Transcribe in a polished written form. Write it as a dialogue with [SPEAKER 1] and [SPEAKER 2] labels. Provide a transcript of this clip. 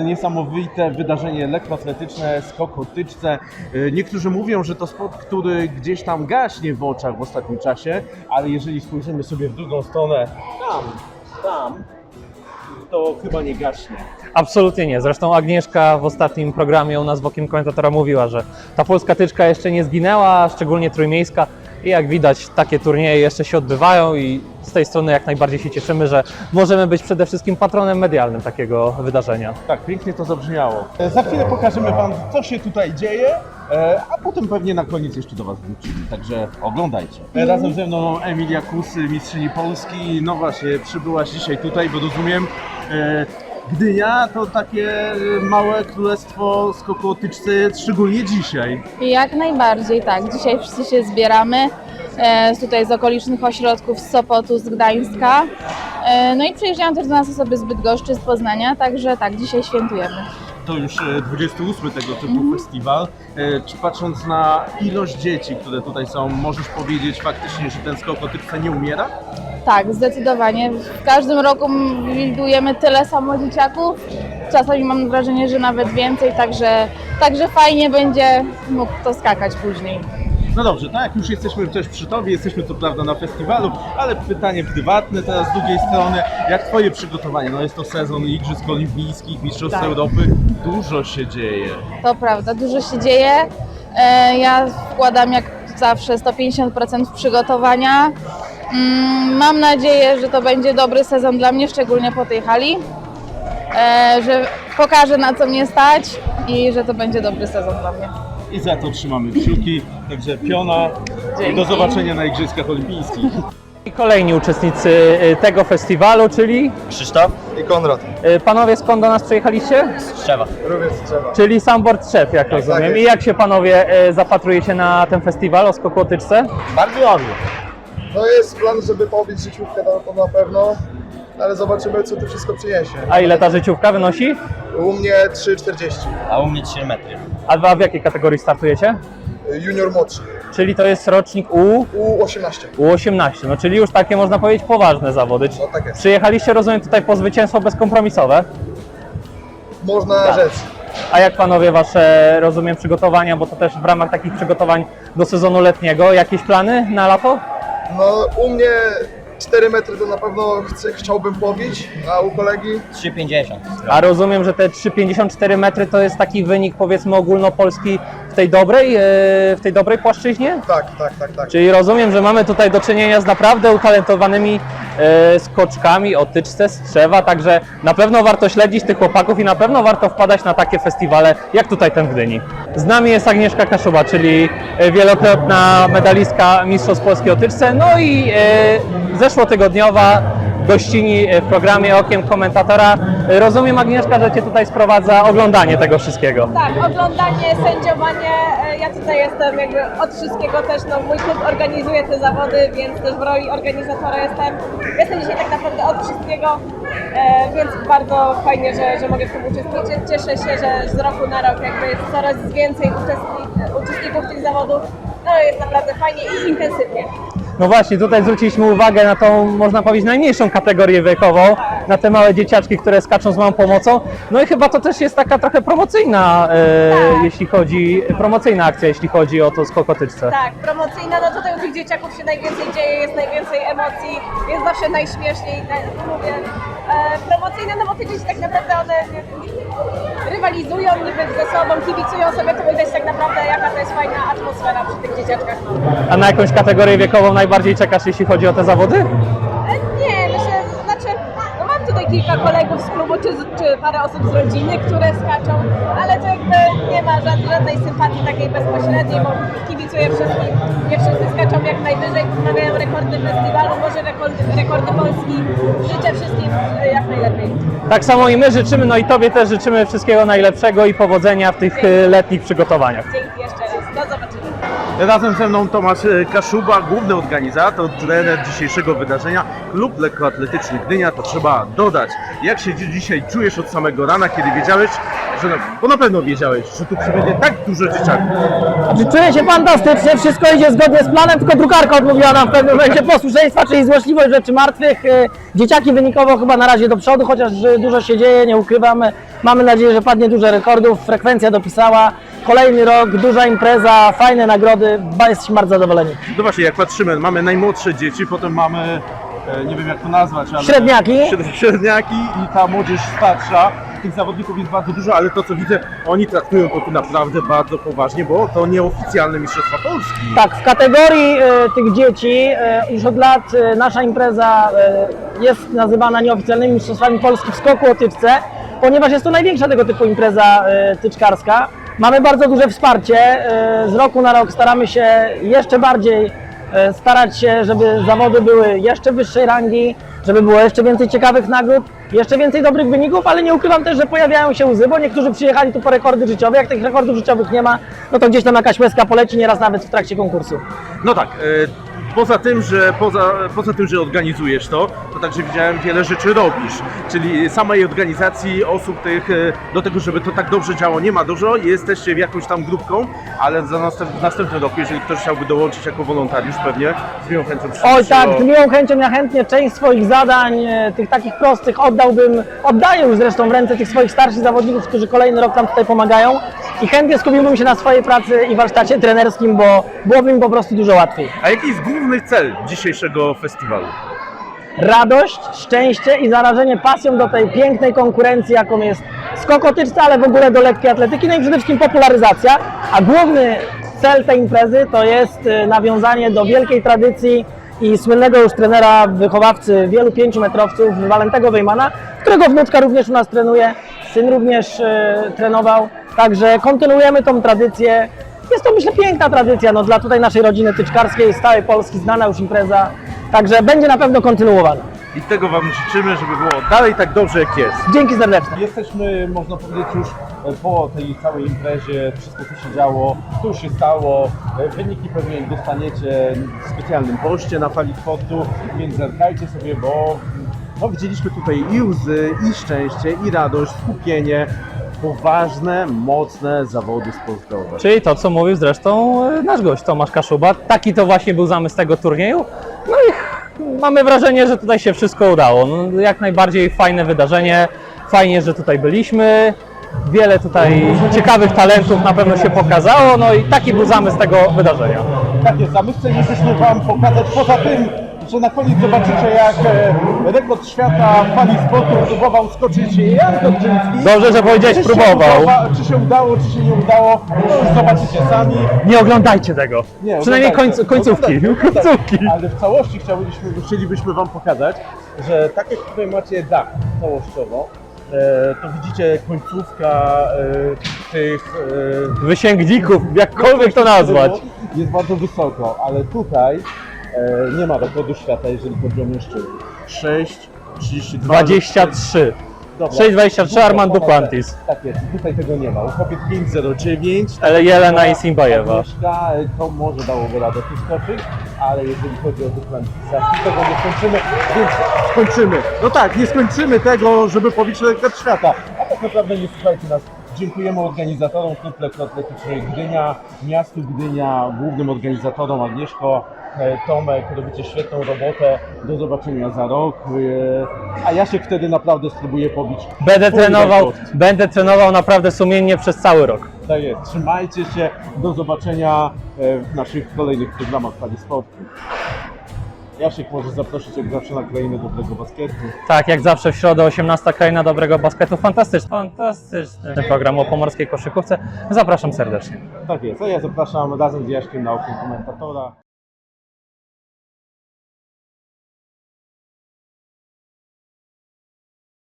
[SPEAKER 1] Niesamowite wydarzenie lekkoatletyczne, skok o tyczce. Niektórzy mówią, że to sport, który gdzieś tam gaśnie w oczach w ostatnim czasie, ale jeżeli spojrzymy sobie w drugą stronę, tam, to chyba nie gaśnie.
[SPEAKER 2] Absolutnie nie. Zresztą Agnieszka w ostatnim programie u nas w Okiem Komentatora mówiła, że ta polska tyczka jeszcze nie zginęła, szczególnie trójmiejska. I jak widać, takie turnieje jeszcze się odbywają i z tej strony jak najbardziej się cieszymy, że możemy być przede wszystkim patronem medialnym takiego wydarzenia.
[SPEAKER 1] Tak, pięknie to zabrzmiało. Za chwilę pokażemy Wam, co się tutaj dzieje, a potem pewnie na koniec jeszcze do Was wrócimy, także oglądajcie. Razem ze mną Emilia Kus, mistrzyni Polski. No właśnie, przybyłaś dzisiaj tutaj, bo rozumiem, Gdynia to takie małe królestwo skoku o tyczce, szczególnie dzisiaj.
[SPEAKER 3] Jak najbardziej, tak. Dzisiaj wszyscy się zbieramy tutaj z okolicznych ośrodków, z Sopotu, z Gdańska. No i przyjeżdżają też do nas osoby z Bydgoszczy, z Poznania, także tak, dzisiaj świętujemy.
[SPEAKER 1] To już 28 tego typu festiwal. Czy patrząc na ilość dzieci, które tutaj są, możesz powiedzieć faktycznie, że ten skok o tyczce nie umiera?
[SPEAKER 3] Tak, zdecydowanie. W każdym roku widujemy tyle samo dzieciaków. Czasami mam wrażenie, że nawet więcej, także fajnie będzie mógł to skakać później.
[SPEAKER 1] No dobrze, tak jak już jesteśmy też przy Tobie, jesteśmy co prawda na festiwalu, ale pytanie prywatne teraz z drugiej strony, jak Twoje przygotowanie? No jest to sezon Igrzysk Olimpijskich, Mistrzostw
[SPEAKER 3] Tak.
[SPEAKER 1] Europy, dużo się dzieje.
[SPEAKER 3] To prawda, dużo się dzieje. Ja wkładam jak zawsze 150% w przygotowania. Mam nadzieję, że to będzie dobry sezon dla mnie, szczególnie po tej hali, że pokażę, na co mnie stać i że to będzie dobry sezon dla mnie.
[SPEAKER 1] I za to trzymamy kciuki, także piona i
[SPEAKER 3] Dzięki.
[SPEAKER 1] do zobaczenia na Igrzyskach Olimpijskich.
[SPEAKER 2] I kolejni uczestnicy tego festiwalu, czyli
[SPEAKER 4] Krzysztof i Konrad.
[SPEAKER 2] panowie, skąd do nas przyjechaliście?
[SPEAKER 4] Z Trzewa. Również z Trzewa.
[SPEAKER 2] Czyli Sambor Trzew, jak rozumiem.
[SPEAKER 4] jest.
[SPEAKER 2] I jak się panowie zapatrujecie na ten festiwal o skoku o tyczce?
[SPEAKER 4] Bardzo ładnie.
[SPEAKER 5] No jest plan, żeby pobić życiówkę to na pewno, ale zobaczymy, co to wszystko przyniesie.
[SPEAKER 2] A ile ta życiówka wynosi?
[SPEAKER 5] U mnie 3,40,
[SPEAKER 4] A u mnie 3 metry.
[SPEAKER 2] A w jakiej kategorii startujecie?
[SPEAKER 5] junior młodszy,
[SPEAKER 2] Czyli to jest rocznik
[SPEAKER 5] U18.
[SPEAKER 2] U18, no czyli już takie można powiedzieć poważne zawody.
[SPEAKER 5] No tak jest.
[SPEAKER 2] Przyjechaliście, rozumiem, tutaj po zwycięstwo bezkompromisowe.
[SPEAKER 5] Można rzec.
[SPEAKER 2] A jak panowie wasze, rozumiem, przygotowania, bo to też w ramach takich przygotowań do sezonu letniego, jakieś plany na lato?
[SPEAKER 5] No u mnie 4 metry to na pewno chciałbym pobić, a u kolegi
[SPEAKER 4] 3,50.
[SPEAKER 2] A rozumiem, że te 3,54 metry to jest taki wynik, powiedzmy, ogólnopolski w tej dobrej płaszczyźnie?
[SPEAKER 5] tak.
[SPEAKER 2] Czyli rozumiem, że mamy tutaj do czynienia z naprawdę utalentowanymi skoczkami o tyczce z Trzewa, także na pewno warto śledzić tych chłopaków i na pewno warto wpadać na takie festiwale jak tutaj ten w Gdyni. Z nami jest Agnieszka Kaszuba, czyli wielokrotna medalistka Mistrzostw Polski o tyczce, no i zeszłotygodniowa gościni w programie Okiem Komentatora. Rozumiem, Agnieszka, że Cię tutaj sprowadza oglądanie tego wszystkiego.
[SPEAKER 6] Tak, oglądanie, sędziowanie, ja tutaj jestem jakby od wszystkiego też, no mój klub organizuje te zawody, więc też w roli organizatora jestem dzisiaj tak naprawdę od wszystkiego, więc bardzo fajnie, że mogę w tym uczestniczyć. Cieszę się, że z roku na rok jakby jest coraz więcej uczestników tych zawodów, no jest naprawdę fajnie i intensywnie.
[SPEAKER 2] No właśnie, tutaj zwróciliśmy uwagę na tą, można powiedzieć, najmniejszą kategorię wiekową, na te małe dzieciaczki, które skaczą z małą pomocą. No i chyba to też jest taka trochę promocyjna, promocyjna akcja, jeśli chodzi o to skok o tyczce.
[SPEAKER 6] Tak, promocyjna, no tutaj u tych dzieciaków się najwięcej dzieje, jest najwięcej emocji, jest zawsze najśmieszniej, mówię. Promocyjne, no bo te dzieci tak naprawdę one rywalizują niby ze sobą, kibicują sobie, to widać tak naprawdę jaka to jest fajna atmosfera przy tych dzieciaczkach.
[SPEAKER 2] A na jakąś kategorię wiekową najbardziej czekasz, jeśli chodzi o te zawody?
[SPEAKER 6] Nie, myślę, znaczy, no mam tutaj kilka kolegów z klubu, czy parę osób z rodziny, które skaczą, ale to jakby nie ma żadnej sympatii takiej bezpośredniej, bo kibicuję wszystkim, nie wszyscy skaczą jak najwyżej, poprawiają rekordy festiwalu, może rekordy Polski. Życzę wszystkim jak najlepiej.
[SPEAKER 2] Tak samo i my życzymy, no i Tobie też życzymy wszystkiego najlepszego i powodzenia w tych letnich przygotowaniach.
[SPEAKER 6] Dzięki jeszcze raz, do zobaczenia.
[SPEAKER 1] Razem ze mną Tomasz Kaszuba, główny organizator, trener dzisiejszego wydarzenia. Klub lekkoatletyczny Gdynia, to trzeba dodać. Jak się dzisiaj czujesz od samego rana, kiedy wiedziałeś, bo na pewno wiedziałeś, że tu przybędzie tak dużo dzieciaków.
[SPEAKER 7] Znaczy, czuję się fantastycznie, wszystko idzie zgodnie z planem, tylko drukarka odmówiła nam w pewnym momencie posłuszeństwa, czyli złośliwość rzeczy martwych. Dzieciaki wynikowo chyba na razie do przodu, chociaż dużo się dzieje, nie ukrywamy. Mamy nadzieję, że padnie dużo rekordów, frekwencja dopisała. Kolejny rok, duża impreza, fajne nagrody, jesteśmy bardzo zadowoleni.
[SPEAKER 1] No właśnie, jak patrzymy, mamy najmłodsze dzieci, potem mamy, nie wiem jak to nazwać, ale...
[SPEAKER 7] Średniaki.
[SPEAKER 1] Średniaki i ta młodzież starsza. Tych zawodników jest bardzo dużo, ale to co widzę, oni traktują to tu naprawdę bardzo poważnie, bo to nieoficjalne Mistrzostwa Polski.
[SPEAKER 7] Tak, w kategorii tych dzieci już od lat nasza impreza jest nazywana nieoficjalnymi mistrzostwami Polski w skoku o tyczce, ponieważ jest to największa tego typu impreza tyczkarska. Mamy bardzo duże wsparcie, z roku na rok staramy się jeszcze bardziej starać się, żeby zawody były jeszcze wyższej rangi, żeby było jeszcze więcej ciekawych nagród, jeszcze więcej dobrych wyników, ale nie ukrywam też, że pojawiają się łzy, bo niektórzy przyjechali tu po rekordy życiowe, jak tych rekordów życiowych nie ma, no to gdzieś tam jakaś łezka poleci, nieraz nawet w trakcie konkursu.
[SPEAKER 1] No tak, poza tym, że organizujesz to także widziałem wiele rzeczy robisz, czyli samej organizacji osób tych, do tego, żeby to tak dobrze działo nie ma dużo, jesteście jakąś tam grupką, ale w następnym roku, jeżeli ktoś chciałby dołączyć jako wolontariusz, pewnie z miłą chęcią
[SPEAKER 7] Oj tak, z miłą chęcią, ja chętnie część swoich zadań, tych takich prostych oddaję już zresztą w ręce tych swoich starszych zawodników, którzy kolejny rok tam tutaj pomagają i chętnie skupiłbym się na swojej pracy i warsztacie trenerskim, bo byłoby mi po prostu dużo łatwiej.
[SPEAKER 1] A jaki jest główny cel dzisiejszego festiwalu?
[SPEAKER 7] Radość, szczęście i zarażenie pasją do tej pięknej konkurencji, jaką jest skok o tyczce, ale w ogóle do lekkiej atletyki, no i przede wszystkim popularyzacja, a główny cel tej imprezy to jest nawiązanie do wielkiej tradycji i słynnego już trenera, wychowawcy wielu 5-metrowców, Walentego Wejmana, którego wnuczka również u nas trenuje, syn również trenował, także kontynuujemy tą tradycję. Jest to, myślę, piękna tradycja no, dla tutaj naszej rodziny tyczkarskiej, z całej Polski, znana już impreza, także będzie na pewno kontynuowana.
[SPEAKER 1] I tego Wam życzymy, żeby było dalej tak dobrze jak jest.
[SPEAKER 7] Dzięki serdecznie.
[SPEAKER 1] Jesteśmy, można powiedzieć, już po tej całej imprezie, wszystko co się działo, to już się stało, wyniki pewnie dostaniecie w specjalnym poście na Fali Sportu, więc zerkajcie sobie, bo no, widzieliśmy tutaj i łzy, i szczęście, i radość, skupienie, poważne, mocne zawody sportowe.
[SPEAKER 2] Czyli to, co mówił zresztą nasz gość Tomasz Kaszuba. Taki to właśnie był zamysł tego turnieju. No i mamy wrażenie, że tutaj się wszystko udało. No, jak najbardziej fajne wydarzenie. Fajnie, że tutaj byliśmy. Wiele tutaj ciekawych talentów na pewno się pokazało. No i taki był zamysł tego wydarzenia.
[SPEAKER 1] Tak jest, a my chcielibyśmy Wam pokazać poza tym, że na koniec zobaczycie, jak rekord świata w Fali Sportu próbował skoczyć Jan Godczyński.
[SPEAKER 2] Dobrze, że powiedziałeś
[SPEAKER 1] Czy się
[SPEAKER 2] próbował.
[SPEAKER 1] Czy się udało, czy się nie udało, to już zobaczycie sami.
[SPEAKER 2] Nie oglądajcie tego.
[SPEAKER 1] Nie,
[SPEAKER 2] Przynajmniej
[SPEAKER 1] oglądajcie,
[SPEAKER 2] końcówki.
[SPEAKER 1] oglądajcie.
[SPEAKER 2] Końcówki.
[SPEAKER 1] Ale w całości chcielibyśmy Wam pokazać, że tak jak tutaj macie dach całościowo, to widzicie końcówka tych
[SPEAKER 2] Wysięgników, jakkolwiek to nazwać.
[SPEAKER 1] jest bardzo wysoko, ale tutaj nie ma rekordu świata, jeżeli chodzi o mężczyzn. 6,32.
[SPEAKER 2] 23.
[SPEAKER 1] Dobra.
[SPEAKER 2] 6,23 Armand Duplantis.
[SPEAKER 1] Tak jest, tutaj tego nie ma. U kobiet 5,09.
[SPEAKER 2] Ale Jelena i Simbajewa.
[SPEAKER 1] Agnieszka, to może dałoby radę tu skoczyć, ale jeżeli chodzi o Duplantisa, to tego nie skończymy, więc skończymy. No tak, nie skończymy tego, żeby pobić rekord świata. A tak naprawdę nie słuchajcie nas. Dziękujemy organizatorom Klub Lekkoatletyczny Gdynia, miastu Gdynia, głównym organizatorom Agnieszko, Tomek, robicie świetną robotę. Do zobaczenia za rok. A ja się wtedy naprawdę spróbuję pobić.
[SPEAKER 2] Będę trenował naprawdę sumiennie przez cały rok.
[SPEAKER 1] Tak jest. Trzymajcie się. Do zobaczenia w naszych kolejnych programach Fali Sportu. Jasiek może zaprosić jak zawsze na krainę dobrego basketu.
[SPEAKER 2] Tak, jak zawsze w środę 18 kraina dobrego basketu. Fantastyczny program o pomorskiej koszykówce. Zapraszam serdecznie.
[SPEAKER 1] Tak jest. A ja zapraszam razem z Jaśkiem na okno komentatora.